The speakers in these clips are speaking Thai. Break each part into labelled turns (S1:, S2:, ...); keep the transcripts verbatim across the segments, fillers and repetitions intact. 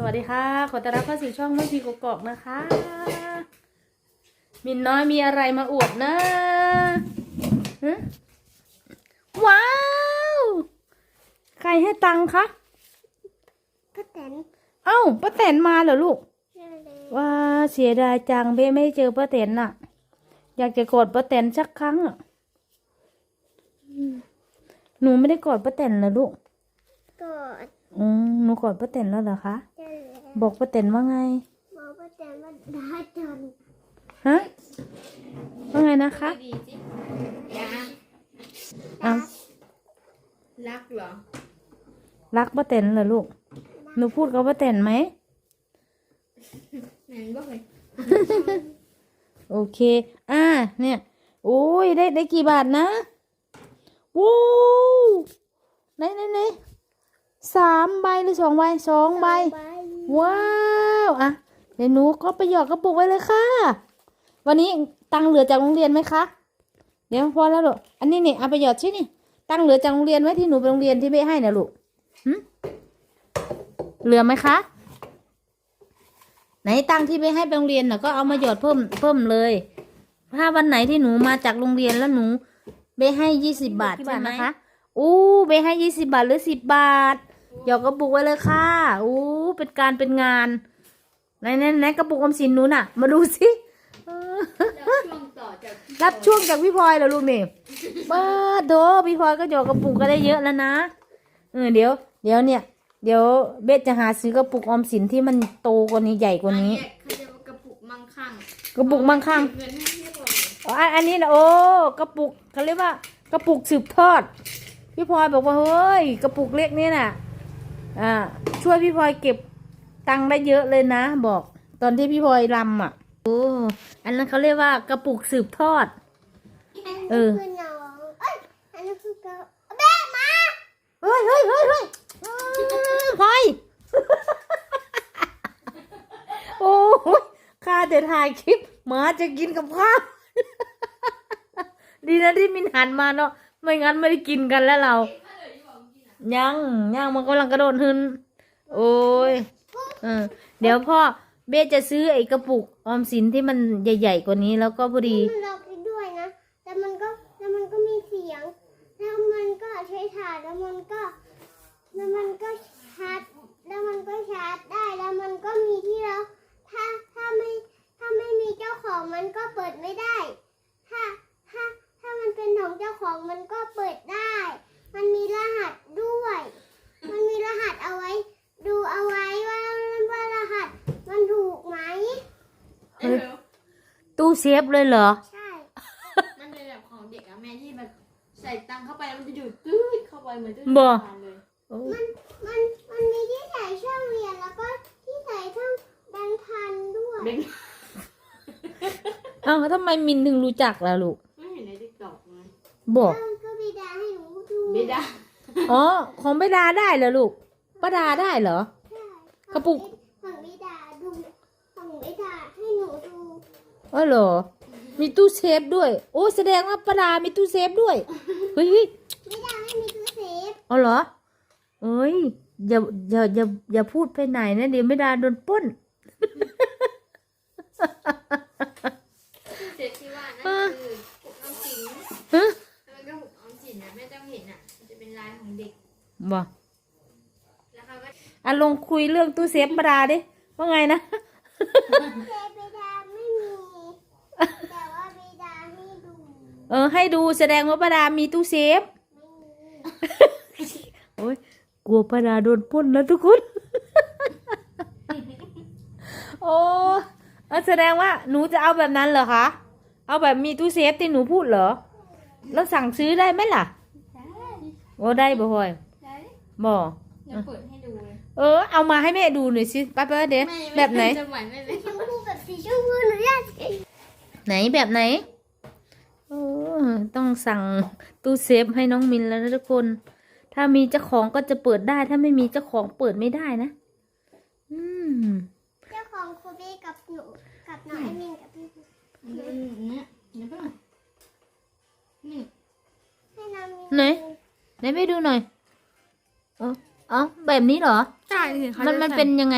S1: วัสดีค่ะขอต้อนรับเข้าสู่ช่องน้องพีกกอกนะคะมินน้อยมีอะไรมาอวดนะฮะว้าวใครให้ตังค์คะ
S2: ป้าแตน
S1: เอ้าป้าแตนมาเหรอลูก
S2: ใช่เลย
S1: ว้าเสียดายจังเบ้ไม่เจอป้าแตนน่ะอยากจะกอดป้าแตนสักครั้งอ่ะหนูไม่ได้กอดป้าแตนเหรอลูก
S2: กอด
S1: อืมหนูกอดป้าแตนแล้วเหรอคะ
S2: ใช่แล้ว
S1: บอกป้าแตนว่าไง
S2: บอกป้าแตนว่าได้จัน
S1: ฮะว่าไงนะคะ
S3: ดีจิยา
S1: อ้าว
S3: รักเหรอ
S1: รักป้าแตนเหรอลูกหนูพูดกับป้าแตนไหม
S3: แม่นบอกเลย
S1: โอเคอ่าเนี่ยโอ้ยได้ได้กี่บาทนะวู้ไหนไหนไหนสามใบหรือสองใบสองใบว้าวอ่ะเดี๋ยวหนูก็ไปหยอดกระปุกไว้เลยค่ะวันนี้ตังค์เหลือจากโรงเรียนไหมคะเดี๋ยวพอแล้วลูกอันนี้นี่เอาไปหยอดชิ้นนี่ตังค์เหลือจากโรงเรียนไว้ที่หนูไปโรงเรียนที่ไม่ให้นะลูกหืมเหลือไหมคะไหนตังค์ที่ไปให้ไปโรงเรียนน่ะก็เอามาหยอดเพิ่มเพิ่มเลยถ้าวันไหนที่หนูมาจากโรงเรียนแล้วหนูไปให้ยี่สิบบาทใช่ไหมคะอู้ไปให้ยี่สิบบาทหรือสิบบาทหยอดกระปุกไว้เลยค่ะอู้เป็นการเป็นงานไหนไหนไหนกระปุกออมสินหนูน่ะมาดูสิ
S3: รับช่วงต่อจาก
S1: รับช่วงจากพี่พลอยเหรอลูกนี่บ้าโดพี่พลอยก็หยอดกระปุกก็ได้เยอะแล้วนะเออเดี๋ยวเดี๋ยวเนี่ยเดี๋ยวเบสจะหาซื้อกระปุกออมสินที่มันโตกว่านี้ใหญ่กว่านี้
S3: เขาจะกระปุกมั่งคั่ง
S1: กระปุกมั่งคั่ง
S3: เงินให้พี่บอย
S1: อ๋ออันนี้นะโอ้กระปุกเขาเรียกว่ากระปุกสืบทอดพี่พลอยบอกว่าเฮ้ยกระปุกเล็กนี่น่ะอ่าช่วยพี่พลอยเก็บตังค์ได้เยอะเลยนะบอกตอนที่พี่พลอยรำอ่ะโอ้อันนั้นเขาเรียกว่ากระปุกสืบทอดเออ
S2: คือน้องเอ้ยอันนี้คือเกาแม่มา
S1: เฮ้ยเฮ้ยเฮ้ยเฮ้ยอืมพลอย โอ้ยข้าจะถ่ายคลิปหมาจะกินกับข้าว ดีนะที่มินหันมาเนาะไม่งั้นไม่ได้กินกันแล้วเรายังยังมันกำลังกระโดดหึนโอ้ยเออเดี๋ยวพ่อเบสจะซื้อไอ้กระปุกออมสินที่มันใหญ่ๆกว่านี้แล้วก็พอดี
S2: มันล็อกไปด้วยนะแต่มันก็แล้วมันก็มีเสียงแล้วมันก็ใช้ถ่านแล้วมันก็แล้วมันก็ชาร์จแล้วมันก็ชาร์จได้แล้วมันก็มีที่เราถ้าถ้าไม่ถ้าไม่มีเจ้าของมันก็เปิดไม่ได้ถ้าถ้าถ้ามันเป็นของเจ้าของมันก็เปิดได้ มันมีรหัสด้วย มันมีรหัสเอาไว้ ดูเอาไว้ว่าว่ารหัสมันถูกไหม
S3: เอ้ย
S1: ตู้เซฟเลยเหรอ
S2: ใช่
S3: มันเป็นแบบของเด็กอะแม่ที่แบบใส่ตังค์เข้าไปแล้วมันจะดูดตื้อเข้าไปเหมือนตื้อ
S1: บ่
S3: ทานเลย
S2: มันมันมันมีที่ใส่ช่องเรียนแล้วก็ที่ใส่ช่องแบงค์พันด้วย
S3: เด็ก
S1: เอ้าทำไมมินถึงรู้จักล่ะลูก
S3: ไม่เห็นในติ๊กต็อกไง
S1: บอก
S2: เออก็บิดาให้หนูดู
S3: ไม่ได้
S1: อ๋อของป้าดาได้เหรอลูกป้าดาได้เหรอ
S2: ใช่
S1: กระปุก
S2: ของบิดาดูของบิดาให้หนูดู
S1: อ๋อเหรอมีตู้เซฟด้วยโอ้แสดงว่าป้าดามีตู้เซฟด้วยเฮ้ยเฮ้ย
S2: บิดาให้มีตู้เซฟ
S1: อ๋อเหรอเอ้ยอย่าอย่าอย่าอย่าพูดไปไหนนะเดี๋ยวไม่ดาโดนปล้น
S3: เสร็จที่ว่านั่นคือปุกออมสิน
S1: ฮะ
S3: แล้วมันก็ปุกออมสินนะแม่ต้องเห็นอะมันจะเป็นลายของเด็ก
S1: บอก
S3: แล้วเขาก็
S1: อ่ะลงคุยเรื่องตู้เซฟป้าดาดิว่าไงนะ
S2: เซฟบิดาไม่มี แต่ว่าบิดาให้ดู
S1: เออให้ดูแสดงว่าป้าดามีตู้เซฟ
S2: ไม่มี
S1: โอ้ยกลัวป้าดาโดนปล้นแล้วทุกคน โอ้เออแสดงว่าหนูจะเอาแบบนั้นเหรอคะเอาแบบมีตู้เซฟที่หนูพูดเหรอแล้วสั่งซื้อได้ไหมล่ะ
S3: ได้
S1: โอ้ได้บ่พลอย
S3: ได้
S1: บ่
S3: เดี๋ยวเปิดให้ดูเลย
S1: เออเอามาให้แม่ดูหน่อยสิป้าป้าเดี๋ยว
S3: ไม่
S1: แบบไหน
S3: จะไหวไม่เลย
S2: ชมพูแบบสีชมพูหนูอยาก
S1: ไหนแบบไหนเออต้องสั่งตู้เซฟให้น้องมินแล้วนะทุกคน ถ้ามีเจ้าของก็จะเปิดได้ ถ้าไม่มีเจ้าของเปิดไม่ได้นะอืม
S2: เจ้าของโคเบกับหนูกับน้องไอมินกับพี่
S3: อืมเนี่ยเดี๋ยวเพิ่งนี่
S2: ให้น้องมิน
S1: ไหนไหนไปดูหน่อยเออเอ๋อแบบนี้เหรอ
S3: ใช่สิเขา
S1: มัน
S3: จะ
S1: มัน
S3: ใส่
S1: เป็นยังไง มัน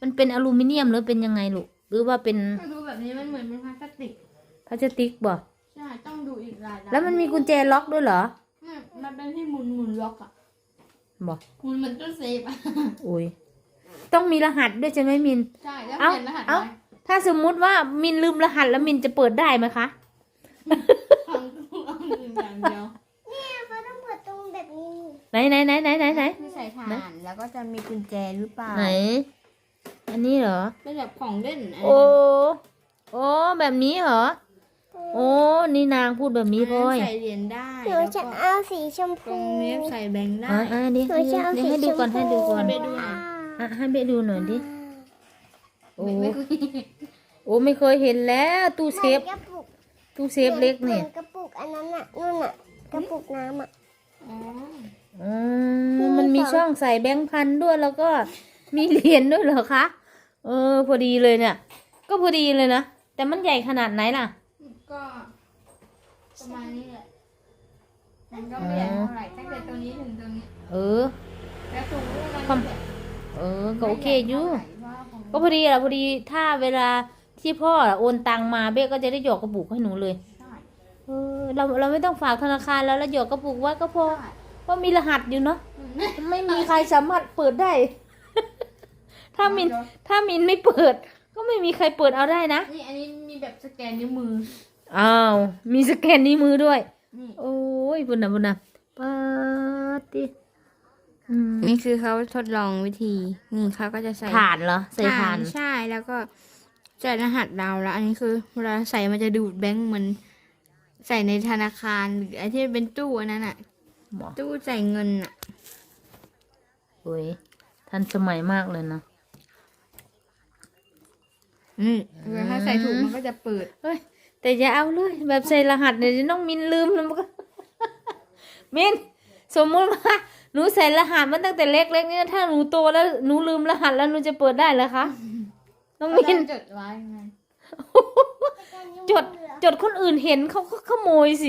S1: มันเป็นอลูมิเนียมหรือเป็นยังไงลูกหรือว่าเป็น
S3: ถ้าดูแบบนี้มันเหมือนเป็นพลาสติก
S1: พลาสติกบ่
S3: ใช่ ต้องดูอีกหลายด้าน
S1: แล้วมันมีกุญแจล็อกด้วยเหรอ
S3: ไม่มันเป็นที่หมุนหมุนล็อกอะ
S1: บ่
S3: หมุนเหมือนตู้เซฟอะ
S1: อุ้ยต้องมีรหัสด้วยใช่ไหมมิน
S3: ใช่ แล้ว
S1: เอ้า
S3: เปลี่ยนรหัส
S1: เอ้า
S3: ไว้
S1: ถ้าสมมุติว่ามินลืมรหัสแล้วมินจะเปิดได้ไหมคะ
S3: พังตู้เอาหนึ่งอย่างเดียว
S2: เนี่ยเขาต้องเปิดตรงแบบนี้
S1: ไหนไหนไหนไหนไหนไหน
S3: คือใส่ถ่านแล้วก็จะมีกุญแจหรือเปล่า
S1: ไหน อันนี้เหรอ
S3: เป็นแบบของเล่นะไร
S1: โอ้ โอ้ แบบนี้เหรอ โอ้ นี่นางพูดแบบนี้พ่อย
S3: ใส่เหรียญได้
S2: หนู
S3: แล้ว
S2: จะ
S3: ก็
S2: เอาสีชม
S3: ตร
S2: พู
S3: งนี้ใส่แบงค์ได้
S1: อ่าอ่านี่
S2: หนู
S1: ให้
S2: จะเอา
S1: นี่
S2: สี
S1: ให้ดูก่อน
S2: ชมพู
S1: ให้ดูก่อน
S3: ให้ดูหน่อย
S1: อ่ะให้เบะดูหน่อยดิ โอ้
S3: ไม่ไม่คุย
S1: โอ้ ไม่เคยเห็นแล้วตู้เซฟ
S2: หมือนกระปุก
S1: ตู้เซฟเล็กเนี่ย
S2: หมือกระปุกอันนั้นน่ะนู่นน่ะกระปุกน้ำอ่ะ
S3: อ๋อ
S1: อืมมันมีช่องใส่แบงค์พันด้วยแล้วก็มีเหรียญด้วยเหรอคะ เออ พอดีเลยเนี่ย ก็พอดีเลยนะ แต่มันใหญ่ขนาดไหนล่ะ
S3: ก็ประมาณนี้แหละมันก็ไม่ใหญ่เท่าไหร่ตั้งแต่ตรงนี้ถึงตรงนี้
S1: เออ
S3: แล้วตรงนู้นมัน
S1: ความ
S3: แบบ
S1: เออ ก็โอเคอยู่
S3: ไม่ใหญ่เท่าไหร่เพราะว่าของ
S1: ก็พอดีแหละพอดีถ้าเวลาที่พ่อโอนตังมาเบ๊ก็จะได้หยอกกระปุกให้หนูเลย
S3: ใช่
S1: เออเราเราไม่ต้องฝากธนาคารแล้วแล้วหยอกกระปุกไว้ก็พอเพราะมีรหัสอยู่เนาะไม่มีใครสามารถเปิดได้ ถ้ามินถ้ามินไม่เปิด ก็ไม่มีใครเปิดเอาได้นะ
S3: นี่อันนี้มีแบบสแกนนิ้วมือ
S1: อ้าว มีสแกนนิ้วมือด้วย
S3: นี่
S1: โอ้ยบุญนะบุญนะปาติอืม
S3: นี่คือเขาทดลองวิธีนี่เขาก็จะใส่
S1: ถ่านเหรอใส่ถ่าน
S3: ใช่แล้วก็ใส่รหัสเราแล้ว อันนี้คือเวลาใส่มันจะดูดแบงค์เหมือนใส่ในธนาคารหรือไอ้ที่เป็นตู้อันนั้นอะ
S1: หมอ
S3: ตู้ใส่เงินอะ
S1: โอ้ยทันสมัยมากเลยนะ
S3: อืมถ้าใส่ถูกมันก็จะเปิด
S1: เฮ้ยแต่อย่าเอาเลย แบบใส่รหัสเนี่ยเดี๋ยวน้องมินลืมแล้วมันก็ มินสมมุติว่าหนูใส่รหัสมันตั้งแต่เล็กๆเนี่ยถ้าหนูโตแล้วหนูลืมรหัสแล้วหนูจะเปิดได้เหรอคะน้องมิน
S3: จดไว้ไง
S1: จดจดคนอื่นเห็นเขาก็ขโมยสิ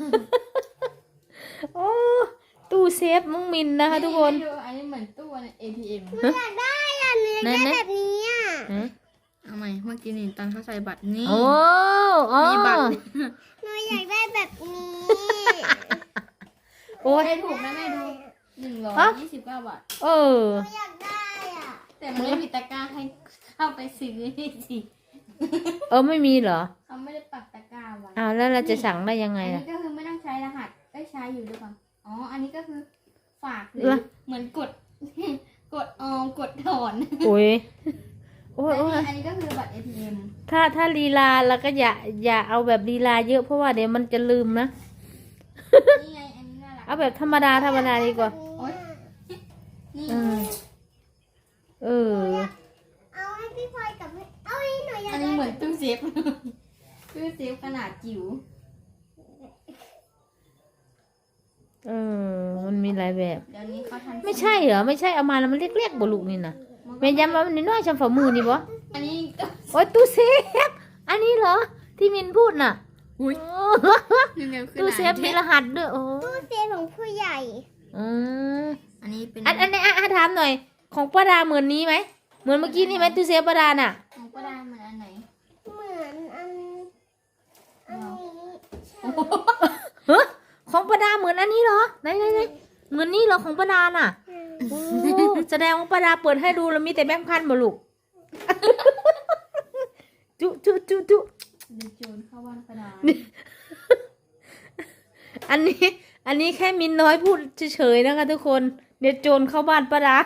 S1: โอ้ตู้เซฟน้องมินนะคะทุกคน
S3: ให้ดูอันนี้เหมือนตู้ใน เอ ที เอ็ม
S2: หนูอยากได้อ่ะหนูอยากได้แบบนี้อ่ะ
S1: ฮะ
S3: เอาใหม่เมื่อกี้นี่ตอนเขาใส่บัตรนี่
S1: โอ้โอ้
S3: มีบัตร
S2: หนูอยากได้แบบนี้
S1: โอ้ย
S3: ให้ถูกนะแม่ดูหนึ่งร้อยยี่สิบเก้าบาท
S1: เออ
S2: หนูอยากได้อ่ะ
S3: แต่มันไม่มีตะกร้าให้เข้าไปซื้อนี่สิ
S1: เออไม่มีเหรอ
S3: เขาไม่ได้ปักตะกร้าไว้
S1: อ้าวแล้วเราจะสั่งได้ยังไง
S3: อัน
S1: ล่ะ
S3: นี้ก็คือไม่ต้องใช้รหัสได้ใช้อยู่ด้วยกันอ๋อ อันนี้ก็คือฝากหรื
S1: เหร
S3: อ
S1: อ
S3: เหมือนกด กดออมกดถอน
S1: โอ้ยโอ้ย
S3: อัน
S1: โอ้
S3: นี้
S1: ย
S3: อันนี้ก็คือบัตร เอ ที เอ็ม
S1: ถ้าถ้าลีลาเราก็อย่าอย่าเอาแบบลีลาเยอะเพราะว่าเดี๋ยวมันจะลืมนะ
S3: นี่ไง อันนี้น่ารัก
S1: เอาแบบธรรมดาธรรมดาดีกว่า
S3: โอ๊ย นี่
S1: เออ เออ
S2: เอาให้พี่พลอยกับให้เอาให้หนูอยาก
S3: อัน
S2: ได้
S3: นี้เหมือนตู้เซฟ ตู้เซฟขนาดจิ๋ว
S1: เออ มันมีหลายแบบ
S3: เดี๋ยวนี้เขาทัน
S1: ไม่ใช่เหรอ ไม่ใช่เอามาแล้วมันเล็กๆบ่ลูกนี่นะแม่ย้ำว่ามันน้อยๆชำฝ่ามือนี่บ่
S3: อันนี้ก็
S1: โอ้ยตู้เซฟ อันนี้เหรอ ที่มินพูดน่ะ
S3: อุ้ย
S1: โอ้
S3: ยังไงคือ
S1: ตู้เซฟมีรหัสด้วย โอ้
S2: ตู้เซฟของผู้ใหญ่
S1: อืม
S3: อันนี้เป็น
S1: อันอันนี้อ่ะอ่ะถามหน่อย ของป้าดาเหมือนนี้ไหม เหมือนเมื่อกี้นี่ไหมตู้เซฟป้าดาน่ะ
S3: ของป้าดาเหมือนอันไหน
S2: เหมือนอันอันนี้ใช่
S1: เฮ้ของป้าดาเหมือนอันนี้เหรอ ไหนไหนไหนเหมือนนี่เหรอของป้าดาน่ะ โอ้แสดงว่าป้าดาเปิดให้ดูแล้วมีแต่แบงค์พันบ่ลูก จุจุจุจุ
S3: เดี๋ยวโจรเข้าบ้านป้าดา
S1: อันนี้ อันนี้แค่มินน้อยพูดเฉยๆนะคะทุกคน เดี๋ยวโจรเข้าบ้านป้าดา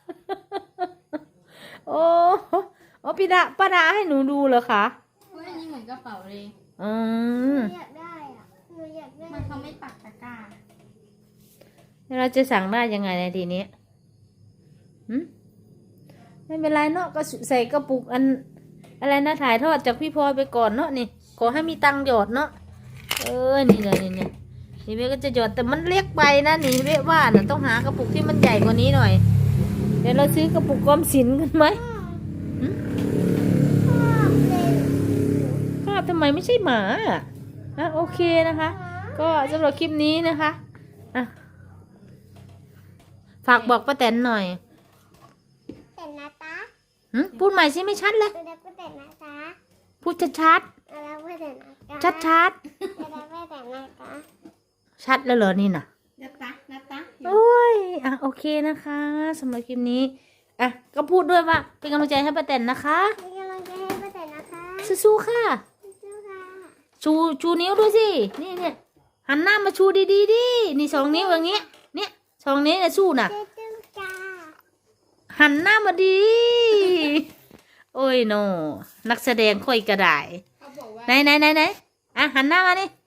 S1: โอ้โอ้พี่ดาป้าดาให้หนูดูเหรอคะ
S3: เฮ้ยอันนี้เหมือนกระเป๋าเลย
S1: อื
S2: ห
S1: ม
S2: นูอยากได้อ่ะหนูอยากได้
S3: มันเขาไม่ปักตะกร้า
S1: แล้วเราจะสั่งได้ยังไงในทีนี้หืมไม่เป็นไรเนาะก็ใส่กระปุกอัน อะไรนะถ่ายทอดจากพี่พลอยไปก่อนเนาะนี่ ขอให้มีตังค์หยอดเนาะ เออ นี่เลยนี่เนี่ยนี่เว้ก็จะหยอดแต่มันเล็กไปนะนี่เว้ว่าน่ะต้องหากระปุกที่มันใหญ่กว่านี้หน่อย เดี๋ยวเราซื้อกระปุกกอมสินกันไหม
S2: ชอบเลย
S1: คาบทำไมไม่ใช่หมาอ่ะอ่ะโอเคนะคะ ก็สำหรับคลิปนี้นะคะอ่ะฝากบอกป้าแตนหน่อย
S2: แต่นะตา
S1: หึพูดใหม่สิไม่ชัดเลย
S2: จะได้ไปแต่นะคะ
S1: พูดชัด
S2: จะได้ไปแต่นะคะ
S1: ชัดชัด
S2: จะได้ไปแต่นะคะ
S1: ๆชัดแล้วเหรอนี่น่ะ
S3: นัตตานัตตา
S1: โอ้ยอ่ะโอเคนะคะสำหรับคลิปนี้อ่ะก็พูดด้วยว่าเป็นกำลังใจให้ป้าแตนนะคะ
S2: เป็นกำลังใจให้ไปแต่นะคะ
S1: สู้ๆค่ะ
S2: สู้ๆค่ะ
S1: ชูชูนิ้วด้วยสินี่เนี่ยหันหน้ามาชูดีๆดินี่สองนิ้วอย่างเงี้ยเนี่ยสองนิ้วเนี่ยสู้น่ะ
S2: เจ๊จุ๊บจ้า
S1: หันหน้ามาดี โอ้ยโนนักแสดงค่อยกระได
S3: เขาบอกว่า
S1: ไหนไหนไหนไหนอ่ะหันหน้ามานี่